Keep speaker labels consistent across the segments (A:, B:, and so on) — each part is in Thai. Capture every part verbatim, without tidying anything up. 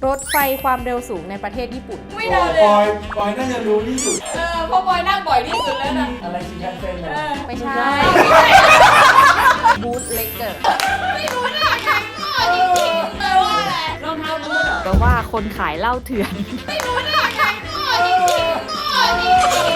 A: รถไฟความเร็วสูงในประเทศญี่ปุ่น
B: ไม่เดาเลย
C: ปอยปอยน่าจะรู้ที่สุด
B: เออเพราะบอยนั่งบ่อยที่สุดแล้วนะ
C: อะไรชินคันเซ็นเหรอ
A: ไม่ใช่บูทเล็กเกอร์
B: ไม่รู้นะใครก็จริงๆแปลว่าอะไรรองเท้าบูทเหรอ
A: แปลว่าคนขายเหล้าเถื่อน
B: ไม่รู้นะใครก็จริงๆก็จริง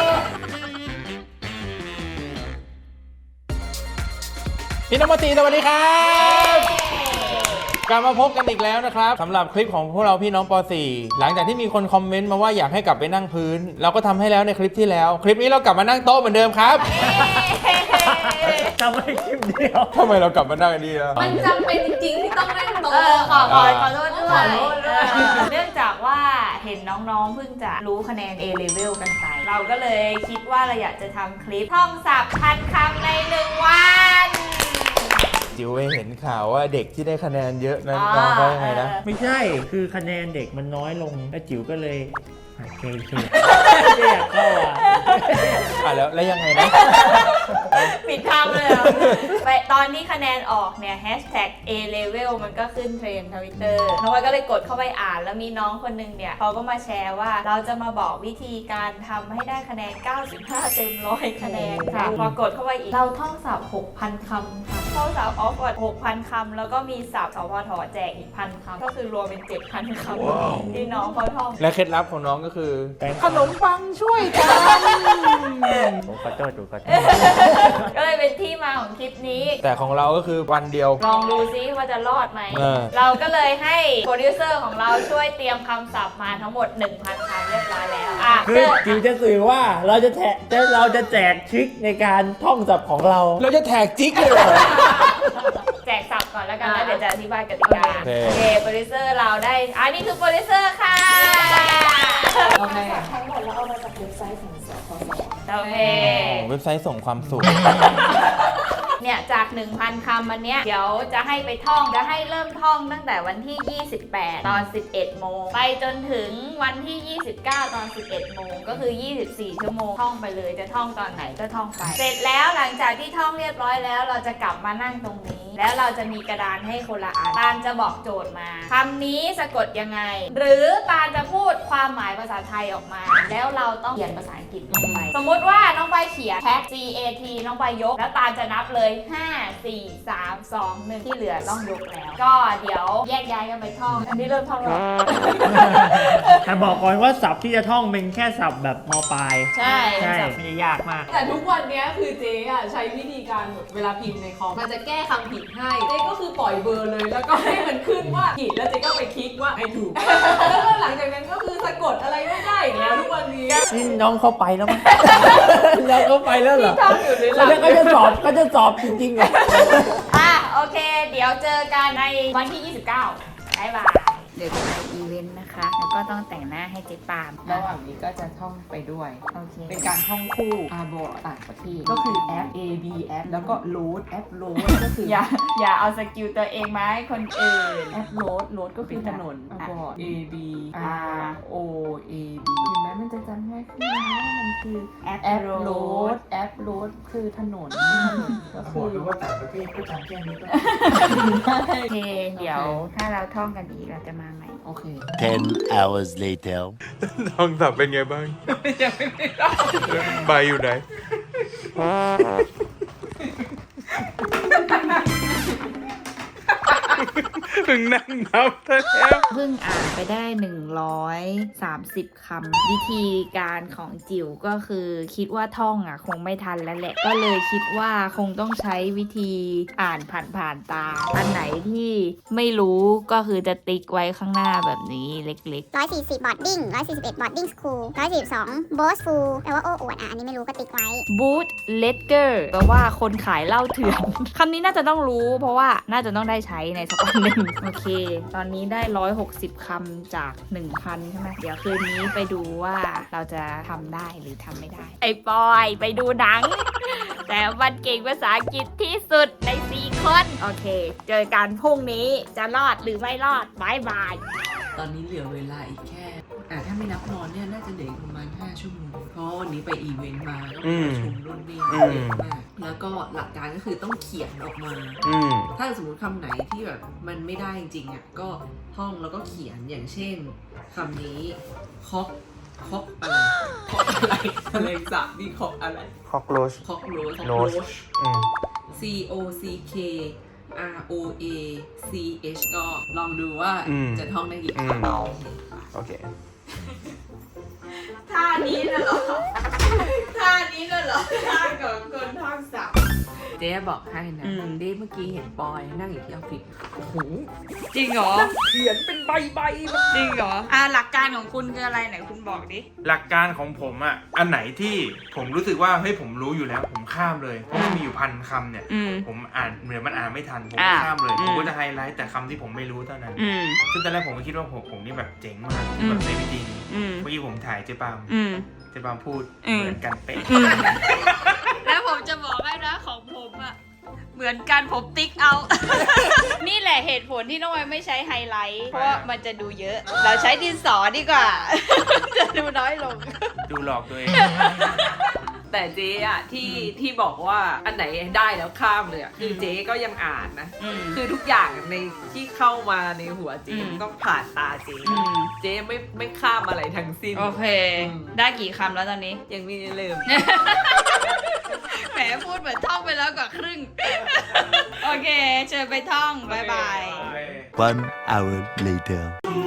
D: พี่น้องมาตีสวัสดีครับกลับมาพบกันอีกแล้วนะครับสำหรับคลิปของพวกเราพี่น้องป .สี่ หลังจากที่มีคนคอมเมนต์มาว่าอยากให้กลับไปนั่งพื้น เราก็ทำให้แล้วในคลิปที่แล้ว คลิปนี้เรากลับมานั่งโต๊ะเหมือนเดิมครับ
C: จำไม่คลิปเดียว
D: ทำไมเรากลับมานั่งอันนี้ล่ะ
B: มันจำเป็นจริงๆที่ต้องนั่งโต๊ะ
E: เออขอขอขอโทษด้วย
B: ขอโทษด้วย
E: เนื่องจากว่าเห็นน้องๆเพิ่งจะรู้คะแนน A level กันไป เราก็เลยคิดว่าเราอยากจะทำคลิปท่องศัพท์พันคำในหนึ่งวัน
D: จิ๋วไปเห็นข่าวว่าเด็กที่ได้คะแนนเยอะนั้นน้องเขายังไงนะ
C: ไม่ใช่ คือคะแนนเด็กมันน้อยลงแล้วจิ๋วก็เลยโอเคโอเคไม่อยากเข้าอ่ะ
D: อ่ะแล้วแล้วยังไงนะ
E: ปิดคำเลยเหรอไปตอนที่คะแนนออกเนี่ยแฮชแท็ก A level มันก็ขึ้นเทรนด์ทวิตเตอร์น้องวายก็เลยกดเข้าไปอ่านแล้วมีน้องคนหนึงเนี่ยเขาก็มาแชร์ว่าเราจะมาบอกวิธีการทำให้ได้คะแนน เก้าสิบห้า เต็มร้อยคะแนนค่ะพอกดเข้าไปอีกเราท่องศัพท์ หกพัน คำค่ะท่องศัพท์ออฟวอร์ด หกพัน คำแล้วก็มีศัพท์สพทแจกอีกพันคำก็คือรวมเป็น เจ็ดพัน คำที่น้องเขาท่อง
D: และเคล็ดลับของน้องก็คือ
C: แป้ง
D: ขนมปังช่วยกัน
C: ผมขอโทษดูขอโทษ
E: ก็เลยเป็นที่มาของคลิปนี้
D: แต่ของเราก็คือวันเดียว
E: ลองดูซิว่าจะรอดไหม
D: เออ
E: เราก็เลยให้โปรดิวเซอร์ของเราช่วยเตรียมคำศัพท์มาทั้งหมด หนึ่งพัน คำเรียบร้อยแล้วอ่ะ
C: คือจิ๋วจะสื่อว่าเราจะแทะจะเราจะแจกทริคในการท่องศัพท์ของเรา
D: เราจะแท็กจิ๊กเลยเหรอ
E: แจกศัพท์ก่อนแล้วกันแล้วเดี๋ยวจะอธิบายกติกา
D: โอเค
E: โอเคโปรดิวเซอร์เราได้อันนี้คือโปรดิวเซอร์ค่ะ
B: โอเค
E: โอเค
D: เว็บไซต์ส่งความสุข
E: เนี่ยจาก หนึ่งพัน คำอันเนี้ยเดี๋ยวจะให้ไปท่องจะให้เริ่มท่องตั้งแต่วันที่ ยี่สิบแปด ตอน สิบเอ็ด โมงไปจนถึงวันที่ ยี่สิบเก้า ตอน สิบเอ็ด โมงก็คือ ยี่สิบสี่ ชั่วโมงท่องไปเลยจะท่องตอนไหนก็ท่องไป เสร็จแล้วหลังจากที่ท่องเรียบร้อยแล้วเราจะกลับมานั่งตรงนี้ แล้วเราจะมีกระดานให้คนละอันตาลจะบอกโจทย์มาคำนี้สะกดยังไง หรือตาลจะพูดความหมายภาษาไทยออกมา แล้วเราต้องเขียนภาษาอังกฤษลงไปสมมุติว่าน้องใบเขียน cat G A T น้องใบยกแล้วตาลจะนับเลย ห้า สี่ สาม สอง หนึ่ง ที่เหลือต้องยกแล้ว ก็เดี๋ยวแยกย้ายกันไปท่อง อันนี้เริ่มท่องแล้ว
C: แต่บอกก่อนว่าศัพท์ที่จะท่องเป็นแค่ศัพท์แบบมปลาย
E: ใช่
C: ใช่ไม่ได้ยากมาก
B: แต่ทุกวันเนี้ยคือเจ๊อะใช้วิธีการแบบเวลาพิมพ์ในคอมมันจะแก้คำผิดให้เจ๊ก็คือปล่อยเบอร์เลยแล้วก็ให้มันขึ้นว่าผิดแล้วเจ๊ก็ไปคลิกว่าไอ้ถูก แล้วก็หลังจากนั้นก็คือสะกดอะไรไม่ได้อีกแล้วทุกวันนี้
C: นี่น้องเข้าไปแล้วมั้ง น้องเข้าไปแล้วเหรอ
E: ที่ท่องอยู่หรือหลั
C: แล้ว
E: ง
C: เขาจะสอบเขาจะสอบจริงๆเหรอ
E: อ่ะโอเค เดี๋ยวเจอกันในวันที่ ยี่สิบเก้าบ๊ายบายเดี๋ยวจะไปอีเวนต์นะคะ แล้วก็ต้องแต่งหน้าให้เจ๊ปาม
F: ระหว่างนี้ก็จะท่องไปด้วย
E: โอเค
F: เป็นการท่องคู่อาโบต่างประเทศ ก็คือแอป A B แอปแล้วก็โหลดแอปโหลดก็คือ
E: อย่าอย่าเอาสกิลตัวเองมาให้คนอื่น
F: แอปโหลดโหลดก็คือถนนอาโบ A B R O A B เห็นไหมมันจะจำง่ายขึ้นนะว่ามันคือ
E: แอป
F: แอป
E: โห
F: โห
E: ล
F: ล
E: ด
F: ดแอปโหลดคือถนนก็
C: บ
F: คือ
C: อกเลยว่าต่างประเทศก็จำแค่นี้ก็
E: โอเค เดี๋ยวถ้าเราท่องกันอีกเราจะมาใหม่
F: โอเค
G: Ten hours later.
D: ท่องศัพท์เป็นไงบ้าง
F: ยังไม่ได้ท่อง
D: ใบอยู่ไหน ถึงนั่งนับแล้ว
E: เพิ่งอ่านไปได้หนึ่งร้อยสามสิบคำวิธีการของจิ๋วก็คือคิดว่าท่องอ่ะคงไม่ทันแล้วแหละ ก็เลยคิดว่าคงต้องใช้วิธีอ่านผ่านๆตา อันไหนที่ไม่รู้ก็คือจะติ๊กไว้ข้างหน้าแบบนี้เล็ก
H: ร้อยสี่สิบบอร์ดดิ้งร้อยสี่สิบเอ็ดบอร์ดดิ้งสคูลร้อยสี่สิบสองโบสฟูลแปลว่าโอ้อวดอ่ะอันนี้ไม่รู้ก็ติ๊กไว้
E: ๆ boot letter แปลว่าคนขายเหล้าเถื่อน คำนี้น่าจะต้องรู้เพราะว่าน่าจะต้องได้ใช้ในสักวันหนึ่ง โอเค ตอนนี้ได้หนึ่งร้อยหกสิบคำจาก หนึ่งพัน ใช่ไหมเดี๋ยวคืนนี้ไปดูว่าเราจะทำได้หรือทำไม่ได้ ไอ้ปอยไปดูหนัง แต่มันเก่งภาษาอังกฤษที่สุดในสี่คน โอเค เจอกันพรุ่งนี้จะรอดหรือไม่รอดบายบาย
F: ตอนนี้เหลือเวลาอีกแค่อ่าถ้าไม่นับนอนเนี่ยน่าจะเหลืออีกประมาณห้าชั่วโมง
B: เพราะวันนี้ไปอีเวนต์มาก็
D: อื
B: ไป
D: ม
B: ประชุมรุ่นนี่
D: อืม
B: เยอะมากแล้วก็หลักการก็คือต้องเขียนออกมา
D: อืม
B: ถ้าสมมติคำไหนที่แบบมันไม่ได้จริงๆอ่ะก็ท่องแล้วก็เขียนอย่างเช่นคำนี้คอกคอกอะไรคอกอะไรอะไรสักนี่คอกอะไร
D: คอกโรช
B: คอกโรส
D: โรชอืม
B: C O C K R O A C H ก็ลองดูว่า
D: อืม
B: จะท่องได้กี่
D: อืม
B: คำ
D: โอเค
E: ท่านี้น่ะเหรอ ท่านี้น่ะเหรอ ท่าของคนท่องศัพท์
F: เจ๊บอกให้นะ
E: อืม
F: เจ๊เมื่อกี้เห็นปอยนั่งอยู่ที่ออฟฟิศโอ้โห
E: จริงเหรอ
F: เขียนเป็นใบใบๆแบบ
E: จริงเหรอ อ่าหลักการของคุณคืออะไรไหนคุณบอกดิ
D: หลักการของผมอ่ะ อันไหนที่ผมรู้สึกว่าเฮ้ยผมรู้อยู่แล้ว ผมข้ามเลย เพราะมันมีอยู่พันคำเนี่ย
E: อืม
D: ผมอ่านเหมือนมันอ่านไม่ทัน ผม
E: อ่า
D: ก็ข้ามเลย
E: อืม
D: ผมก็จะไฮไลท์แต่คำที่ผมไม่รู้เท่านั้น
E: อืม
D: ซึ่งตอนแรกผมก็คิดว่าผมผมนี่แบบเจ๋งมาก
E: อืม
D: แบบในวิธีนี้
E: อืม
D: เมื่อกี้ผมถ่ายเจ๊ปาม
E: อืม
D: เจ๊ปามพูด
E: อืม
D: เหมือนกันเป๊ะ
E: อืม แล้วผมจะบอกให้นะของผมอะเหมือนกันผมติ๊กเอา นี่แหละเหตุผลที่น้องไอยไม่ใช้ไฮไลท์ เพราะว่ามันจะดูเยอะ เราใช้ดินสอดีกว่า จะดูน้อยลง
D: ดูหลอกตัวเอง
F: แต่เจ๊อะที่ที่บอกว่าอันไหนได้แล้วข้ามเลยอะคือเจ๊ก็ยังอ่านนะ
E: อืม
F: คือทุกอย่างในที่เข้ามาในหัวเจ๊
E: อืม
F: ต้องผ่านตาเจ๊
E: อืม
F: เจ๊ไม่ไม่ข้ามอะไรทั้งสิ้น
E: โอเค
F: อืม
E: ได้กี่คำแล้วตอนนี้
F: ยังไมีเริ่ม
E: แหมพูดเหมือนท่องไปแล้วกว่าครึ่ง โอเค เชิญไปท่อง บ๊ายบาย
G: One hour later.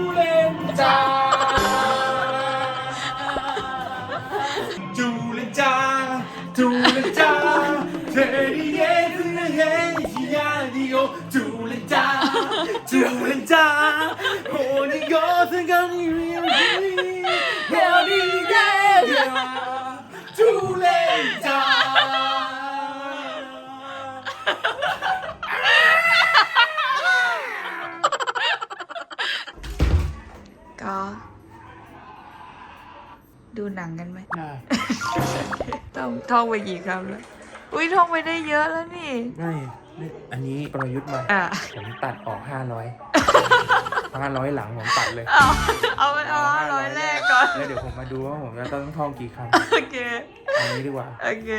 D: จูเลนจาจูเลนจาเธอดีเย่ซึนเย่ที่ยาดิโอจูเลนจาจูเลนจาโหนี่ก็ถึงกันนี่เรียวดีโหนี่เย่จูเลนจา
E: ก็ ดูหนังกันไหม
C: ได้
E: ท่องท่องไปกี่คำแล้ว อุ้ยท่องไปได้เยอะแล้วนี่
C: ไม่ไม่อันนี้ประยุทธ์มา
E: อ่ะ
C: ผมตัดออกห้าร้อย ห้าร้อยหลังผมตัดเลย
E: เอาเอาไปเอาร้อยแรกก่อน
C: แล้วเดี๋ยวผมมาดูว่าผมจะต้องท่องกี่ค
E: โอเค
C: ำอันนี้ดีกว่า
E: โอเค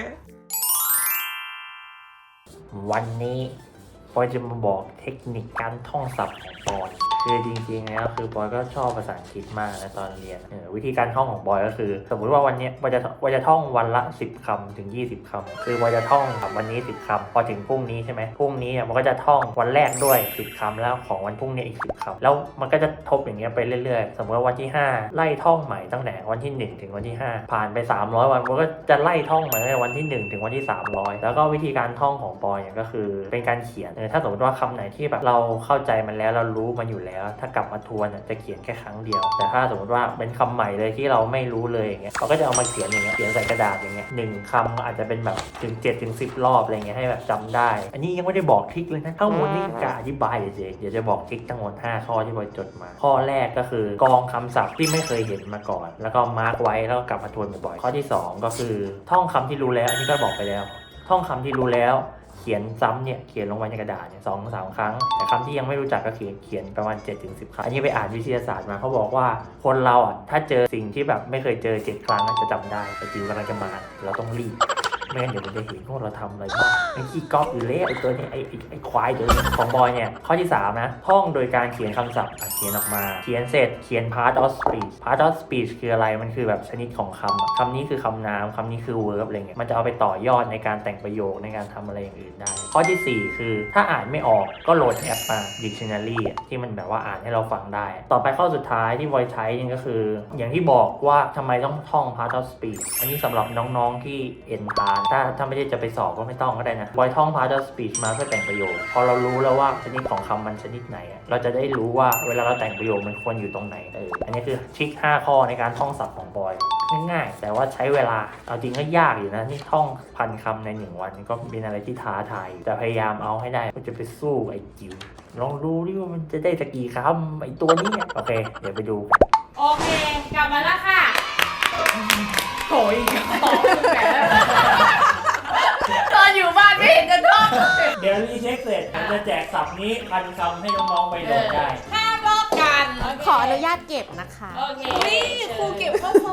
C: วันนี้ปอยจะมาบอกเทคนิคการท่องศัพท์ของปอยคือจริงๆแล้วคือปอยก็ชอบภาษาอังกฤษมากนะตอนเรียนเออวิธีการท่องของปอยก็คือ สมมติว่าวันเนี้ยปอยจะปอยจะท่องวันละสิบคำถึงยี่สิบคำคือปอยจะท่องแบบวันนี้สิบคำพอถึงพรุ่งนี้ใช่ไหมพรุ่งนี้เนี่ยมันก็จะท่องวันแรกด้วยสิบคำแล้วของวันพรุ่งนี้อีกสิบคำแล้วมันก็จะทบอย่างเงี้ยไปเรื่อยๆ สมมติว่าวันที่ห้าไล่ท่องใหม่ตั้งแต่วันที่หนึ่งถึงวันที่ห้าผ่านไปสามร้อยวันมันก็จะไล่ท่องใหม่ตั้งแต่วันที่หนึ่งถึงวันที่สามร้อยแล้วก็วิธีการท่องของปอยเนี่ยก็คือเป็นการเขียนเออถ้าสมมติว่าคำไหนที่แบบเราเข้าใจมันแล้วเรารู้มันอยู่แล้ว ถ้ากลับมาทวนจะเขียนแค่ครั้งเดียว แต่ถ้าสมมติว่าเป็นคำใหม่เลยที่เราไม่รู้เลยอย่างเงี้ยเราก็จะเอามาเขียนอย่างเงี้ยเขียนใส่กระดาษอย่างเงี้ยหนึ่งคำอาจจะเป็นแบบถึงเจ็ดถึงสิบรอบอะไรเงี้ยให้แบบจำได้ อันนี้ยังไม่ได้บอกทริคเลยนะทั้งหมดนี่กะอธิบายเฉยๆเดี๋ยวจะบอกทริคทั้งหมดห้าข้อที่บอยจดมา ข้อแรกก็คือกองคำศัพท์ที่ไม่เคยเห็นมาก่อน แล้วก็มาร์กไว้แล้วก็กลับมาทวนบ่อยๆข้อที่สองก็คือท่องคำที่รู้แล้วอันนี้ก็บอกไปแล้ว ท่องคำที่รู้แล้วเขียนซ้ำเนี่ยเขียนลงไว้ในกระดาษเนี่ยสองสามครั้งแต่คำที่ยังไม่รู้จักก็เขียนเขียนประมาณ เจ็ดถึงสิบ ครั้งอันนี้ไปอ่านวิทยาศาสตร์มาเขาบอกว่าคนเราอ่ะถ้าเจอสิ่งที่แบบไม่เคยเจอเจ็ดครั้งจะจำได้แต่จิวกำลังจะมาเราต้องรีบไม่งั้นเดี๋ยวมันจะเห็นว่าเราทำอะไรบ้างไอ้ขี้ก๊อปอยู่เละไอ้ตัวนี้ไอ้ไอ้ไอ้ควายตัวนี้ของบอยเนี่ยข้อที่สามนะท่องโดยการเขียนคำศัพท์เขียนออกมาเขียนเสร็จเขียน part of speech part of speech คืออะไรมันคือแบบชนิดของคำคำนี้คือคำนามคำนี้คือ verb อะไรเงี้ยมันจะเอาไปต่อยอดในการแต่งประโยคในการทำอะไรอย่างอื่นได้ข้อที่สี่คือถ้าอ่านไม่ออกก็โหลดแอปมา dictionary ที่มันแบบว่าอ่านให้เราฟังได้ต่อไปข้อสุดท้ายที่บอยใช้นี่ก็คืออย่างที่บอกว่าทำไมต้องท่อง part of speech อันนี้สำหรับน้องๆที่ end part ถ้าถ้าไม่ได้จะไปสอบก็ไม่ต้องก็ได้นะบอยท่อง part of speech มาเพื่อแต่งประโยคพอเรารู้แล้วว่าชนิดของคำมันชนิดไหนเราจะได้รู้ว่าเวลาเราแต่งประโยคมันควรอยู่ตรงไหนเอออันนี้คือทริคห้าข้อในการท่องศัพท์ของบอยง่ายๆแต่ว่าใช้เวลาเอาจริงก็ยากอยู่นะนี่ท่องพันคำในหนึ่งวันก็เป็นอะไรที่ท้าทายแต่พยายามเอาให้ได้ก็จะไปสู้ไอ้จิ๋วลองดูดิว่ามันจะได้สักกี่คำไอ้ตัวนี้โอเคเดี๋ยวไปดูกัน
E: โอเค กลับมาแล้วค่ะ
F: โอยของแก
E: ตอนอยู่บ้านไม่เห็นจะท่อง
C: เดี๋ยวรีเช็คเสร็จผมจะแจกศัพท์นี้พันคำให้น้องๆไปโหลดได้
E: ห้ามลอกกัน
A: ขออนุญาตเก็บนะคะ
E: โอเค
B: นี่ครูเก็บข้อสอบ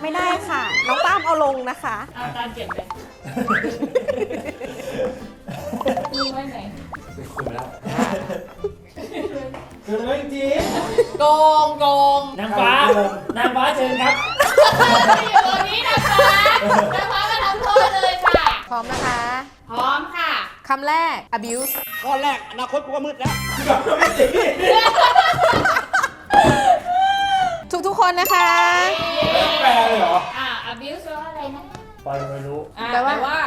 I: ไม่ได้ค่ะ น้องป้ามเอาลงนะคะ
E: เอาตามเก็บไปมึงไว้ไหน
D: เป็นคุณแล้วคือเรื่องจริง
B: โกงโกง
C: นางฟ้านางฟ้าเชิญครับ
E: อยู่ตรงนี้นะคะนะคะมาทำโทษเลยค่ะ
I: พร้อมนะคะ
E: พร้อมค่ะ
I: คำแรก abuse
F: ข้อแรกอนาคตกูก็มืดแล้ว
I: ทุกทุกๆคนนะคะ
D: แปลเลยเหรอ
E: อ่า abuse แปลว่าอะไรนะ
C: ปอยไม่รู้
B: อ่ะ
I: แปลว่า
B: แปลว่า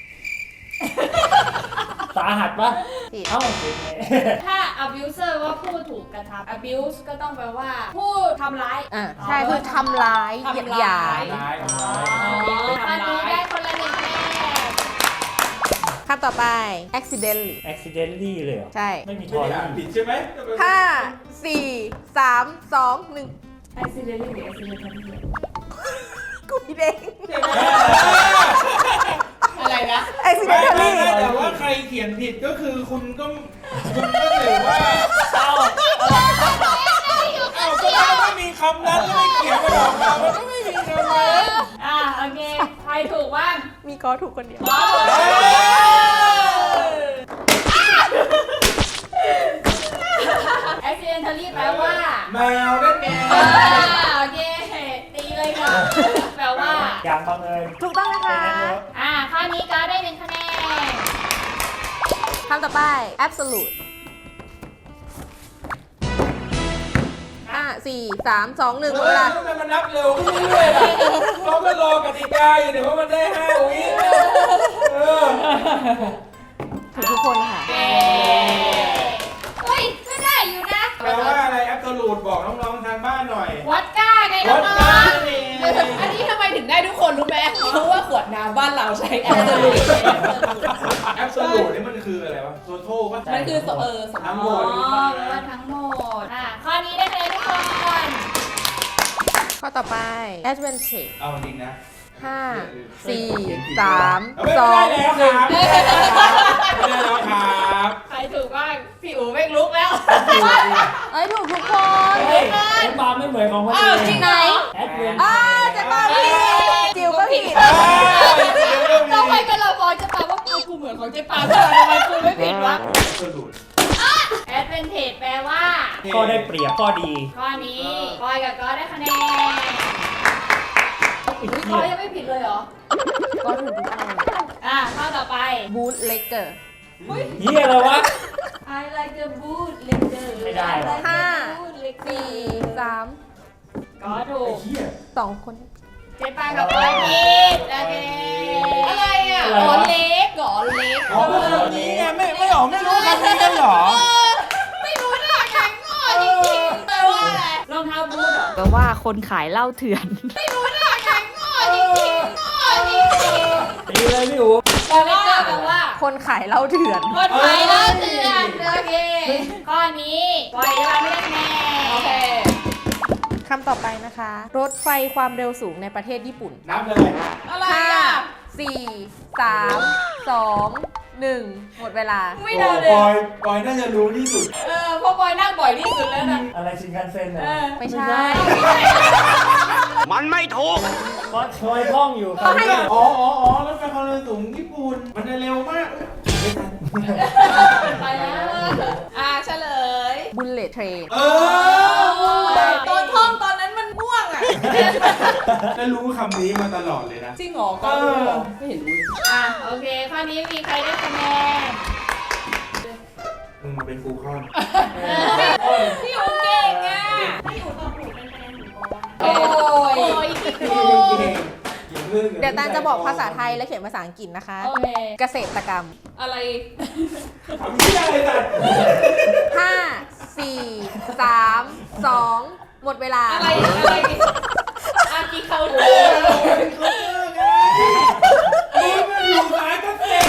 C: สาหัสปะ
I: ผิด
C: เอ้าผิดไง
E: ถ้า abuser ว่าผู้ถูกกระทำ abuse ก็ต้องแปลว่า ผู้ทำร้าย
I: อ่ะใช่คือทำร้ายเหยียดหยาม
D: ร้ายร้าย
E: ข้อนี้ได้คนละหนึ่งคะแนน
I: คำต่อไป accidentally
C: accidentally เลยเหรอ
I: ใช่
C: ไม่มีท
D: ไม่
C: อ
D: ได้
C: รี่
D: อ่านผิดใช่ไหม
I: ห้าสี่สามสองหนึ่ง
E: accidentally หรือ accidentally
I: กูผิดเอง
B: อะไรนะ
D: ไม่ไม่
I: accidentally
D: ไม่แต่ว่าใครเขียนผิดก็คือคุณก็คุณก็ถือว่า
C: เอ้า
D: อ้าวก็มันไม่มีคำนั้นแล้วไม่เขียนมาออกมามันก็ไม่มีคำนั้น
E: อ่าโอเค ใครถูกบ้าง
I: มีก็ถูกคนเดียว
E: accidentally แปลว่า
D: แมวนั่นไง
E: อ่าโอเค ตีเลยค่ะ แปลว่า
C: อย่างบังเอิญ
I: ถูกต้องนะคะ
E: อ่า ข้อนี้ก็ได้หนึ่งคะแนน
I: คำต่อไป absolute ห้าสี่สามสองหนึ่งหมดเวลา
D: ทำไมมันนับเร็วขึ้นเรื่อยๆล่ะเขาก็รอกติกาอยู่เดี๋ยวว่ามันได้ห้าวิเออ
I: ถูกทุกคนค่ะ
E: เย้เฮ้ยก็ได้อยู่นะ
D: แปลว่าอะไรแอปโซลูทบอกน้องๆทางบ้านหน่อย
E: วัดก้าไงน้
D: วั
E: อ
D: ด
E: ง
D: กัน
E: ๆ
D: นี่
B: อันนี้ทำไมถึงได้ทุกคนรู้ไหมเพราะว่าขวดน้ำบ้านเราใช้แอปเปิล
D: แอปโซลูทนี่มันคืออะไรวะโซโท่ปะ
B: มันคือเออสม
D: ทั้ง
B: ม
D: หม
B: ติ
D: ด
E: อ๋อแปลว่าทั้งหมด อ่า ข้อนี้ได้คะแนนทุกคน
I: ข้อต่อไป advantage
D: เอาจริงนะ
I: ห้าสี่สาม
D: เอาไม่
I: สอง
D: ได้แล้วครับไม่ได้แล้วครับ
E: ใครถูกบ้าง พี่อู๋ไม่ลุกแล้ว
I: เอ้ย ถูกทุกคน
C: เฮ้ยแอดบาร์ไม่เหมือนของคน
B: อ้าว
C: อื่น
B: จริงไหน
C: แอดเวน
I: อ้าเจะมาผิดจิวก็ผิด
E: ต้องไปกันเราบอกจะปาว่าเอากูเหมือนของเจ๊ปาเธอทำไมกูไม่ผิดวะ
D: แอปโซลูท
E: advantage แปลว่า
C: ข้อได้เปรียบข้อดี
E: ข้อนี้ปอยกับก๊อตได้คะแนนอุ๊ยก๊อตยังไม่ผิดเลยเหรอ
I: ก็ถูกทุกคน
E: อ่ะ ข้อต่อไป
I: boot legged
C: เฮียอะไรวะ
E: I like the boot leather
C: ไม่ได้หรอ
I: ห้า
E: boot leather
I: สี่สาม
E: ก็ถูก
D: เฮีย
I: สองคน
E: เจ๊ปากับปอยผิดโอเค
B: อะไรอ่ะ
C: อะไร
B: อ๋อ
C: วะ
B: เล็กเหรอเล็ก
D: อ๋อคำนี้ไงไม่ไม่หรอไม่รู้คำนี้กันเหรอ
E: ไม่รู้นะแข็งงอจริงๆแปลว่าอะไรรองเท้าบูทเหรอ
A: แปลว่าคนขายเหล้าเถื่อน
E: ไม่รู้นะแข็งงอจริงๆงอจริง
C: ตีเลยพี่อู๋
E: ๆแปลว่าแปลว่า
I: คนขายเหล้าเถื่อน
E: คนไทยเล่าเถื่อนโอเค ข้อนี้ปล่อยจะไม่ได้คะแนน
B: โอเค
I: คำต่อไปนะคะ รถไฟความเร็วสูงในประเทศญี่ปุ่น
D: นับเลย
B: อะไร
I: ห้า
B: อ่ะ
I: สี่สามสองหนึ่งหมดเวลา
B: ไม่เดาเล
D: ปอย
B: ย
D: ปอยน่าจะรู้ที่สุด
B: เออเพราะบอยนั่งบ่อยที่สุดแล้วนะ
C: อะไรชินคันเซ็นเหรอ
B: เออ
I: ไม่ใช่
F: มันไม่ถูก
C: เพราะคอยท่องอยู่ครับ
D: อ๋ออ๋ออ๋อรถไฟความเร็วสูงญี่ปุ่น มันจะเร็วมากไม่ทัน
B: ไปแล้ว อ่าเฉลย
I: bullet train
D: เออ
B: ตอนท่องตอนนั้นมันง่วงอ่ะ
D: จะรู้คำนี้มาตลอดเลยนะ
B: จริงเหรอก็รู้เหรอไม่เห็นรู้
E: อ่ะโอเค ข้อนี้มีใครได้คะแนน
D: มึงมาเป็นครูข้อน
B: พี่อูเก่งอ่ะ
E: ถ้าอยู่ตอบถูกเป็นคะแนนหนึ่งปอนด์
B: โอ้ย
E: โอ้ยคิดโกง
I: เดี๋ยวตาลจะบอกภาษาไทยและเขียนภาษาอังกฤษนะคะ
E: โอเค
I: เกษตรกรรม
B: อะไร
D: ทำที่อะไรสัตว์
I: ห้าสี่สามสองหมดเวลา
B: อะไร อะไรอากีเคาน์เตอร์
D: นี่มันอยู่สายเกษตร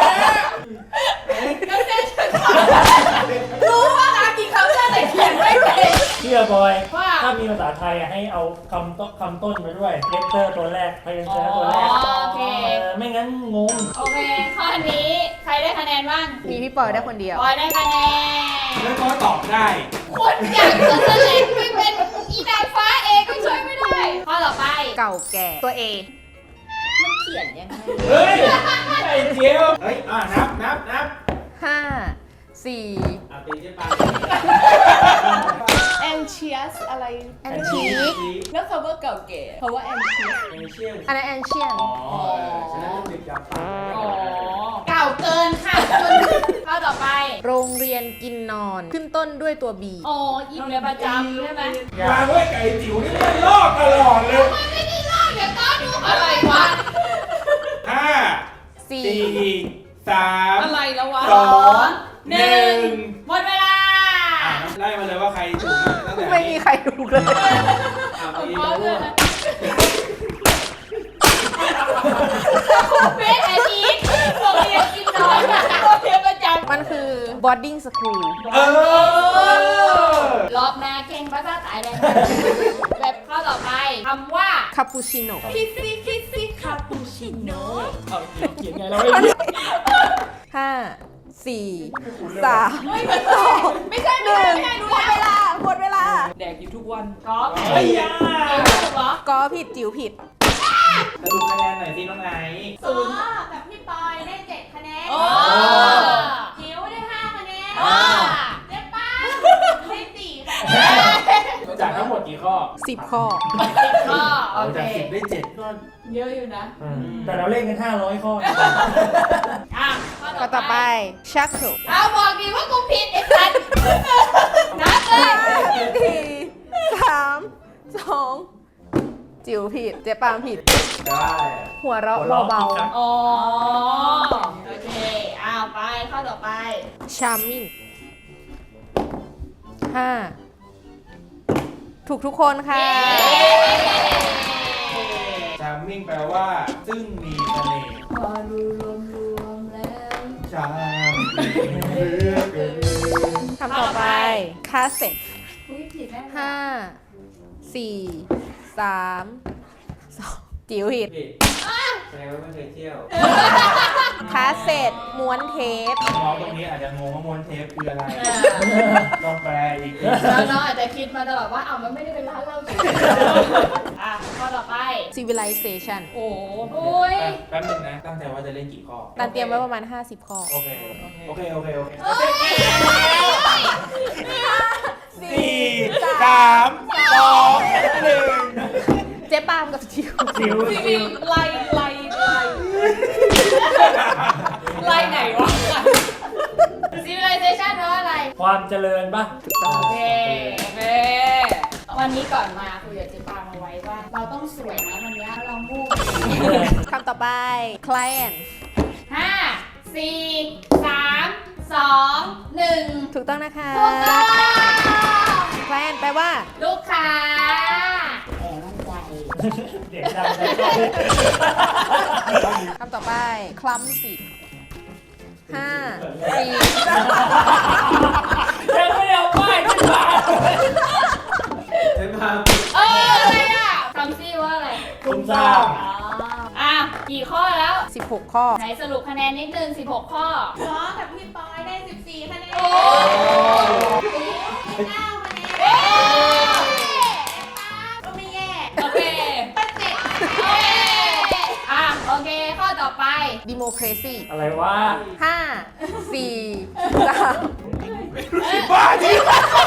B: ก็เซ็นรู้ว่าอากีเคาน์เตอร์แต่เขียนไม่เป็น
C: เชื่อบอย
B: ว่า
C: ถ้ามีภาษาไทยอะให้เอาคำต้นคำต้นมาด้วยเลเตอร์ตัวแรกพยัญช
E: อ๋อ
C: นะตัวแรก
E: โอเค
C: เออไม่งั้นงง
E: โอเค ข้อนี้ใครได้คะแนนบ้าง
I: มีพี่ปอยได้คนเดียว
E: ปอยได้คะแนน
D: แล้วก็ตอบได้
E: คนอย่างเธอเล็กไม่เป็นอีนางฟ้าเองก็ช่วยไม่ได้ด้วย ข้อต่อไป
I: เก่าแก่ ตัว A
E: มันเขียนยังไง
D: เฮ้ยไอ้เจียวเฮ้ย อ่ะ นับนับนับ
I: ห้า สี่
D: อ่ะตีเจ๊ปา
F: anxious อะไร
I: antique
F: แล้วคำว่าเก่าแก่คำว่า anxious
D: เอเชียน
I: อันนั้น ancient
D: อ๋อฉันน่าจะติดจับปาก
B: อ๋อ
E: เก่าเกินค่ะ ข้อต่อไป
I: โรงเรียนกินนอน ขึ้นต้นด้วยตัว B
E: อ๋ออินเรียนประจำใช่ไหม
D: วางไว้ไก่จิ๋วนี่มันลอกตลอดเลย
E: มันไม่ได้ลอกเดี๋ยวก็ดูอะไรวะ
D: ห้า
I: สี่
D: สี่สาม
B: อะไรแล้ววะ
D: สองหนึ่ง
E: หมดเวลา
D: อ่ะไล่มาเลยว่าใครถูกตั้งแต่
I: ไม่มีใครถูกเลย
D: อ่ะตี
E: พร้อม
D: เล
E: เลย ยนะเบสแอนอีทโรงเรียนกินนอนโรงเรียนประจำ
I: มันคือ boarding school
D: เออ
E: รอบหน้าเก่งภาษาไทยได้ไหมแบบข้อต่อไปคำว่า
I: cappuccino
E: คิสซี่คิสซี่คาปูชิโน่
D: เอาเขียนไงเราไม่รู้
I: ห้า สี่ สาม
E: ไม่ใช่ไม่ใช่ไม่ใช่ไม่ใช่หมดเวลาหมดเวลา
B: แดกอยู่ทุกวัน
E: กอล์ฟ
D: เฮ้ยอ่ะ
E: ถูกเหรอ
I: ก็ผิดจิ๋วผิด
D: สรุปคะแนนหน่อยสิน้องไนท์
E: ศูนย์กับพี่ปอยได้เจ็ดคะแนน
B: โอ้
E: จิ๋วได้ห้าคะแนน
B: อ๋อ
E: เจ๊ป้าได้สี่คะแนน
D: จากทั้งหมดกี่ข้อ
I: สิบข้อ
E: สิบข้อโอ
D: เอา
E: เค
D: จากสิบได้เจ็ดก็
B: เยอะอยู่นะ
C: แต่เราเล่นกันห้าร้อยข้อ
E: อ่ะข้อ
I: ก็
E: ต่
I: ต่
E: อ
I: อ
E: ไป
I: ไป shackle
E: เอาบอกดีว่ากูผิดไอ้สัตว์นับเลย
I: สี่สามสองจิ๋วผิด เจ๊ปามผิด
D: ได้
I: หัวเราะเบา
E: อ๋อโอเคอ้าวไปข้อต่อไป
I: ๆ charming ห้า ถูกทุกคนค่ะ
D: ชาร์มมิ่งแปลว่า ซึ่งมีเสน่ห์
E: พอดูรวมรวมๆแล้ว
D: ชาร์มเหลือเกิน
I: คำต่อไป cassette
E: อุ้ยผิดแน่เลย
I: ห้า สี่ สาม สอง จิ๋วผิด
D: ผิดแสดงว่าไม่เคยเที่ยว
I: คาสเซ็ตม้วนเทป
D: น้องตรงนี้อาจจะงงว่ามวนเทปคืออะไร ต้องแปลอีกที
E: น้องๆอาจจะคิดมาตลอดว่าอ้าวมันไม่ได้เป็นร้านเหล้าเฉยๆอ่ะข้อต่อไป
I: civilization
B: โอ้
E: อุ้ย
D: แป๊บนึงนะ ตั้งใจว่าจะเล่นกี่ข้อ
I: ตันเตรียมไว้ประมาณ ห้าสิบ ข้อ
D: โอเค โอเค โอเค โอเค
I: สี่
D: สี่สามสองหนึ่ง
I: เจ๊ปามกับจิ๋ว
C: จิ๋ว
B: จ
C: จิ๋
B: ริ
C: ว
B: งๆไล่ไล่ไล่ไล่ไหนวะ
E: civilization แปลว่าอะไร
C: ความเจริญปะ
E: โอเค
B: โอเค
E: วันนี้ก่อนมาคุยกับเจ๊ปามาไว้ว่า เราต้องสวยนะวันนี้เรามู่
I: คำต่อไป client
E: ห้าสี่สามสองหนึ่ง
I: ถูกต้องนะคะ
E: ถูกต้อง
I: client แปลว่า
E: ลูกค้าแอบมั่นใจ
C: เสียงดังเลย
I: คำต่อไป clumsy ห้า สี่
C: ยังไม่ได้เอาป้ายขึ้นมา
D: เดี๋ยวมา
E: เอออะไรอ่ะคำซี่ว่าอะไร
C: คุณทราบ
E: อ๋ออ่ะกี่ข้อแล้ว
I: สิบหก ข้อ
E: ไหนสรุปคะแนนนิดนึงสิบหกข้อน้องกับพี่ปอยได้สิบสี่คะแนน โอ้เก้าคะแนนก็ไม่แย่
B: โอเค
E: ก็เจ็ดโอเคอ่ะโอเค ข้อต่อไป
I: democracy
C: อะไรวะ
I: ห้า สี่ สาม
D: บ้าจริง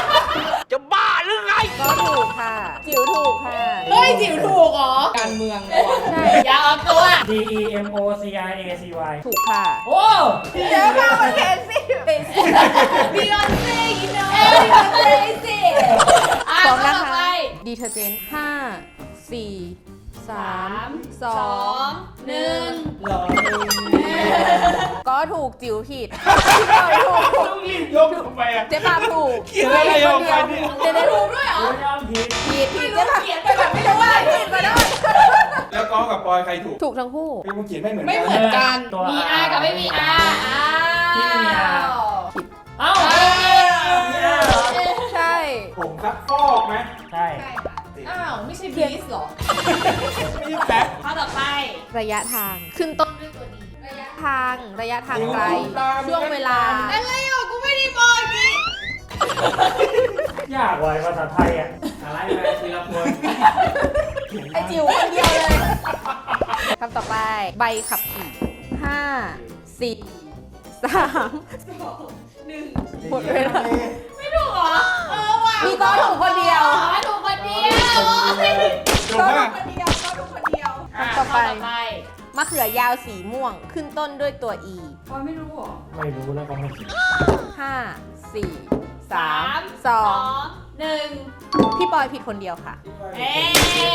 I: ก็ถูกค่ะ จิ๋วถูกค่ะ
B: เฮ้ยจิ๋วถูกเหรอ การเมืองว่ะ
I: ใช่
E: อย่าออกตัว
C: D E M O C I A C Y
I: ถูกค่ะ
C: โอ้
I: เยอะมากมันเคซี่
E: บียอนเซ่ยินโนเอ้ยบียอนเซ่สิอ่ะ
I: พร้อม
E: ข้อ
I: นะ
E: ต่อ
I: คะ
E: ไป
I: detergent ห้า สี่ สา
E: สาม ม
I: ส
E: ส
I: อ
E: อง งหนึ่ง
C: หล่อ
I: ก็ถูกจิ๋วผิด
D: ต้องรีบยกทำไมอ่ะ
I: เจ๊ปาถูก
D: เขียนอะไรออกไปเนี่ย
I: เดี๋ยวได้ถูกด้วยเหรอ
C: โอ้ยยอมผิด
I: ผิดผิดเจ๊ปา
E: เขียนไปแบบไม่รู้ว่าผิดมาด้วย
D: แล้วก้องกับปอยใครถูก
I: ถูกทั้งคู่
D: พี่มึงเขียนไม่เหมือน
B: ไม่
D: กัน
B: เหมือนกัน
C: ตัว
E: มี R กับไม่มี R อ้าว
C: ที่ไม่มี R เอ้า
E: เอ้ย
I: ใช่
D: ผมซักฟอกไหม
C: ใช่
B: อ้าว ไม่ใช่บีสหรอ
D: ไม่ใช่แป๊บ
E: ข้อต่อไป
I: ระยะทาง ขึ้นต้นด้วยตัวดี ระยะทาง ระยะทางไกล ช่วงเวลา
E: อะไรอ่ะกูไม่ได้บอกนี่
C: ยากว่ะภาษาไทยอ่ะ
D: อะไรไปทีละคน
I: ไอจิ๋วคนเดียวเลยคำต่อไปใบขับขี่ห้าสี่สามสองหนึ่งหมดเวลา
E: ไม่ถูกเหรอ เออว่ะ
I: มีก็ถูกคนเดียว
E: อ๋อถูกคนเดียว
D: ถูกมาก
I: คนเดียวก็ถูกคนเดียว
E: อ่ะ
I: ต่อไป
E: ข้ต่อไป
I: มะเขือยาวสีม่วงขึ้นต้นด้วยตัว e
F: ปอยไม่รู้เหรอ
C: ไม่รู้แล้วก็ไม่คิด
I: ห้าสี่สา
E: สาม ม
I: สอง
E: หนึ่ง
I: พี่ปอยผิดคนเดียวค่ะ
E: เอ๊ะ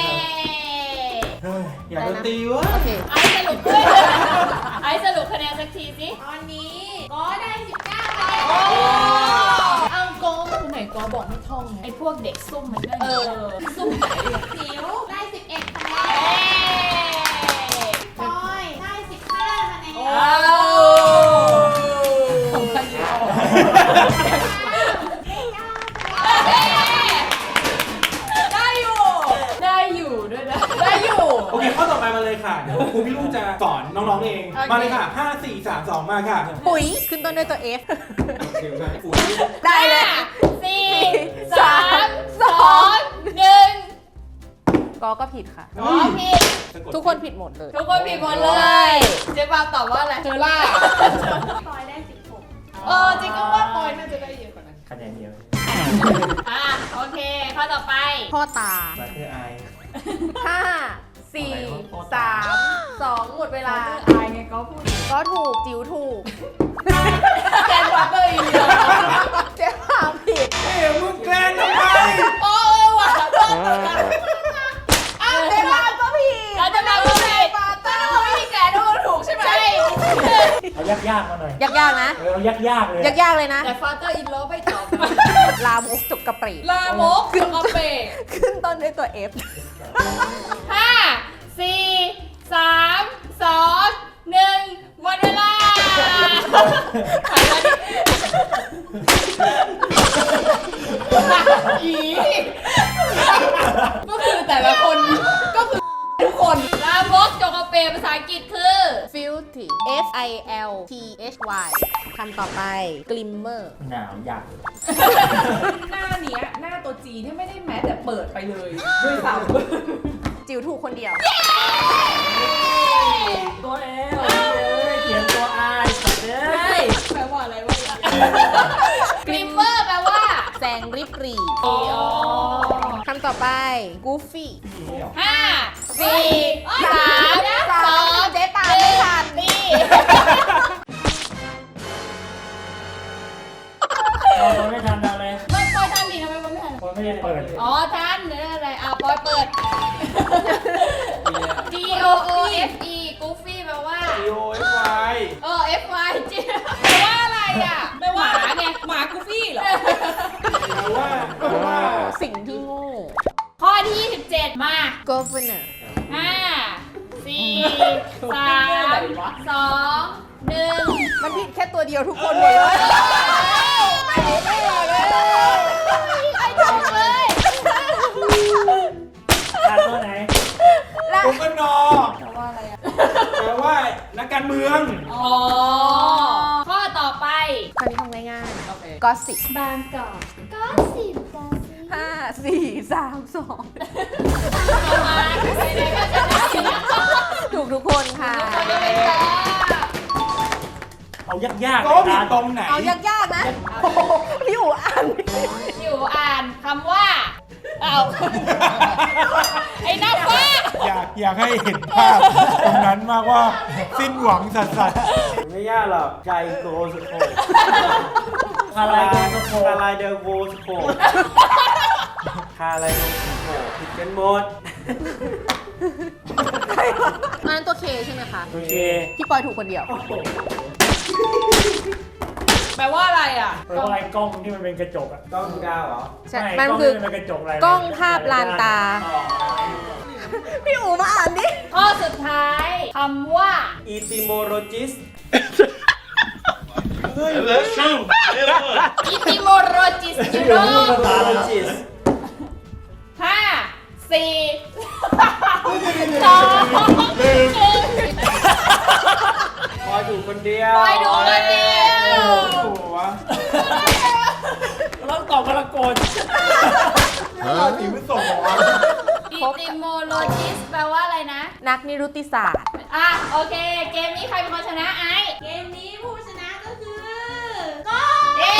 D: อยากโดนตีวะ
I: โอเค
E: ไอ้สรุปด้วยไอ้สรุปคะแนนสักทีสิ ตอนนี้ก็ได้สิบเก้าคะแนน
B: เอาโกคนไหนโกบอกไม่ท่องไง
E: ไอ้พวกเด็กซุ่มมันก็
B: เออ
E: ซุ่มไหนสิวได้สิบเอ็ดคะแนนปอยได้สิบห้าคะแนน
B: ของใครอยู่
E: ได้อยู่
B: ได้อยู่ด้วยนะ ได้อยู่
D: โอเคข้อต่อไปมาเลยค่ะ เดี๋ยวครูพี่ลูกจะสอนน้องๆเอง มาเลยค่ะห้าสี่สามสองมาค่ะ
I: ปุ๋ยขึ้นต้นด้วยตัว f
D: โอเคใช่ปุ๋ย
I: ได้เลย
E: ห้าสี่สามสองหนึ่ง
I: ก็ก็ผิดค่ะ
E: อ๋อผิด
I: ทุกคนผิดหมดเลย
E: ทุกคนผิดหมดเลย เจ๊ปาตอบว่าอะไร
B: เจอล่า
E: ปอยได้สิบหกเออจริงก็ว่าปอยน่าจะได้เยอะกว่านั้น
C: คะแนนเดียว
E: อ่ะโอเค ข้อต่อไป
I: พ่อตา
C: มาคือไอ
I: ห้าสี่สามสองหมดเวลา
F: อายไงก็พูด
I: ก็ถูกจิ๋วถูก
B: แกนวัดเลยอีกแล้ว
I: เจ๊พามผิด
D: เอ้ยมึงแกล้งทำไม
B: โอ้ยว่ะ
I: อ้าวเจ๊พามก็ผิด
E: เราจะมาพูดผิด
B: แต่ถ้าเราไม่มีแกนทุกคนถูกใช่ไหม
E: ใช่
C: เอายากๆมาหน่อย
I: ยากๆนะ
C: เออเอายากๆเลย
I: ยากๆเลยนะ
E: แต่ฟาเตอร์อินโลไม่ตอบ
I: ลามกจกกระปรี
B: ลามกสกปรก
I: ขึ้นต้นด้วยตัว f
E: ห้าสี่สามสองหนึ่งหมดเวลา
B: อีก็คือแต่ละคนก็คือทุกคน
E: ลามกจกกระเปรภาษาอังกฤษคือ
I: filthy f i l t h y คำต่อไป glimmer
C: หนาวอยาก
B: หน้าเนี้ยหน้าตัวจีเนี่ยไม่ได้แม้แต่เปิดไปเลยด้วยซ้ำ
I: จิ๋วถูกคนเดียว
C: ตัวเอลเลยเขียนตัวไอสัตว์เอ้ย
B: แปลว่าอะไรวะ
E: กลิมเมอร์แปลว่า
I: แสงริบหรี่
E: อ๋อ
I: คำต่อไป goofy
E: ห้าสี่สาม
I: สา
E: สอ
I: ม
E: ง
I: เจ๊ตามไม่ทัน
E: นี่
C: เราไม่ทันอะไร
E: ไม่ปอยทันดิทำไมมันไม่ทัน
C: คนไม่ได้เปิด
E: อ๋อทันเดี๋ยวอะไรอ่ะปอยเปิด G O O F E Goofy แปลว่า
D: โอเอฟไว
E: เออ F Y G แปลว่าอะไรอ่ะแปลว่าหมาไง
B: หมากูฟี่เหรอ
D: แปลว่าแปลว่า
I: สิ่งที่โง่
E: ข้อที่ยี่สิบเจ็ดมา
I: governor
E: ห้าสี่สามสองหนึ่ง
I: มันผิดแค่ตัวเดียวทุกคนเลย
E: ไม่ไม่เลยไอ้ถูกเลย
C: อ่ะตัวไหน
D: กบนอแปลว่าอะไรอ่ะ แปลว่านักการเมือง
E: อ๋อ ข้อต่อไป
I: คราวนี้ทำง่ายๆ gossip
E: บางกอกก็สิบกอก
I: ห้าสี่สามสอง
E: ประมาณไหนๆก็จะได้สินะ
I: ถูกทุกคนค่ะ
E: คนจะเป็นจ้า
C: เอายากๆ
D: ก็
C: เลย
D: ผิด
C: นะ
D: ตรงไหน
I: เอายากๆนะโอ้โหพี่อู๋อ่าน
E: อยู่อ่านคำว่า เอาไอ้หน้าฟ้า
D: อยากอยากให้เห็นภาพตรงนั้นมากว่า สิ้นหวังสัส
J: ไม่ยากหรอกใจโกสโค
C: อะไรกันสโค
J: คาลายเดลโกสโคคาลายเดลโกผิดกันหมด
I: อันนั้นตัวเคใช่ไหมคะ
C: โอเค
I: พี่ปอยถูกคนเดียว
B: แปลว่าอะไรอ่ะ
C: แปลว่าไอ้กล้องที่มันเป็นกระจกอะ
J: ต้องดาวเหรอ
I: ใช่
C: ไ
I: มันคือ
C: ล้งที่มันเป็นกระจกอะไร
I: กล้องภาพลานตา พี่อู๋มาอ่านดิ
E: ข้อสุดท้ายคำว่า
J: อีติโมโรจิส
E: อิติโมโรจิสจิโร่
J: โรจิส
E: ห้าสี่สองหนึ่ง
J: พอถูกคนเดียว
E: ปอยดูคนเดียว
D: ๆหัว
C: ต้องตอบกระโกน
D: เราตีไม่ส่งหรอ
E: อิติโมโร Geologist แปลว่าอะไรนะ
I: นักนิรุตติศาสตร์
E: อ่ะ โอเค เกมนี้ใครเป็นคนชนะไอ
B: เกมนี้ผู้ชนะก็คือ
E: เย้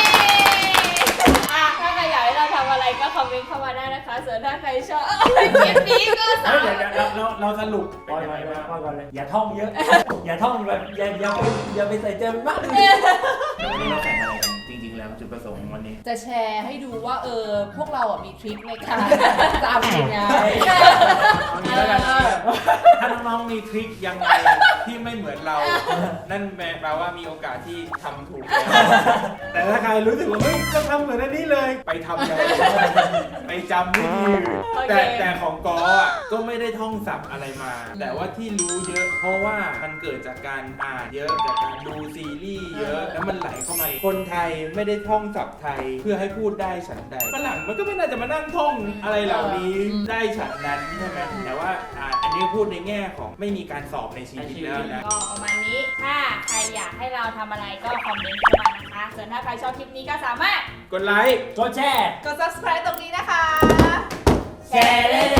E: อ่ะถ้าใครอยากให้เราทำอะไรก็คอมเมนต์เข้ามาได้นะคะ ส่วนถ้าใครชอบคลิปนี้ก็สา
J: เฮ้ย
E: มารถ
J: เดี๋ยวเราเราสรุป
C: ปล่อยก่อนเลยปล่อยก่อนเลย อย่าท่องเยอะ อย่าท่องแบบอย่าอย่าไปอย่าไปใส่ใจมันมากเลย
D: วันนี้เราแข่งอะไรกันจริงๆแล้วจุดประสงค์วันนี้
B: จะแชร์ให้ดูว่าเออพวกเราอ่ะมีทริคในการจำยังไง
D: เอางี้แล้วกันถ้าน้องๆมีทริคยังไงที่ไม่เหมือนเรา นั่นแปลว่ามีโอกาสที่ทำถูกแล้ว
J: แต่ถ้าใครรู้สึกว่าเฮ้ยต้องทำเหมือนอันนี้เลย
D: ไปทำเลยไปจำวิธี
B: โอเค
D: แต่แต่ของกออ่ะก็ไม่ได้ท่องศัพท์อะไรมา แต่ว่าที่รู้เยอะ เพราะว่ามันเกิดจากการอ่านเยอะจากการดูซีรีส์เยอะ แล้วมันไหลเข้ามาคนไทยไม่ได้ท่องศัพท์ไทยเพื่อให้พูดได้ฉันใดฝรั่งมันก็ไม่น่าจะมานั่งท่องอะไรเหล่านี้ได้ฉันนั้นใช่ไหมแต่ว่าอ่าอันนี้พูดในแง่ของไม่มีการสอบในชีวิตแล้วนะ
E: ก็ประมาณนี้ ถ้าใครอยากให้เราทำอะไรก็คอมเมนต์เข้ามานะคะ ส่วนถ้าใครชอบคลิปนี้ก็สามารถ
D: กดไลค์
C: กดแชร์
B: กด subscribe ตรงนี้นะคะ
C: แชร์เลย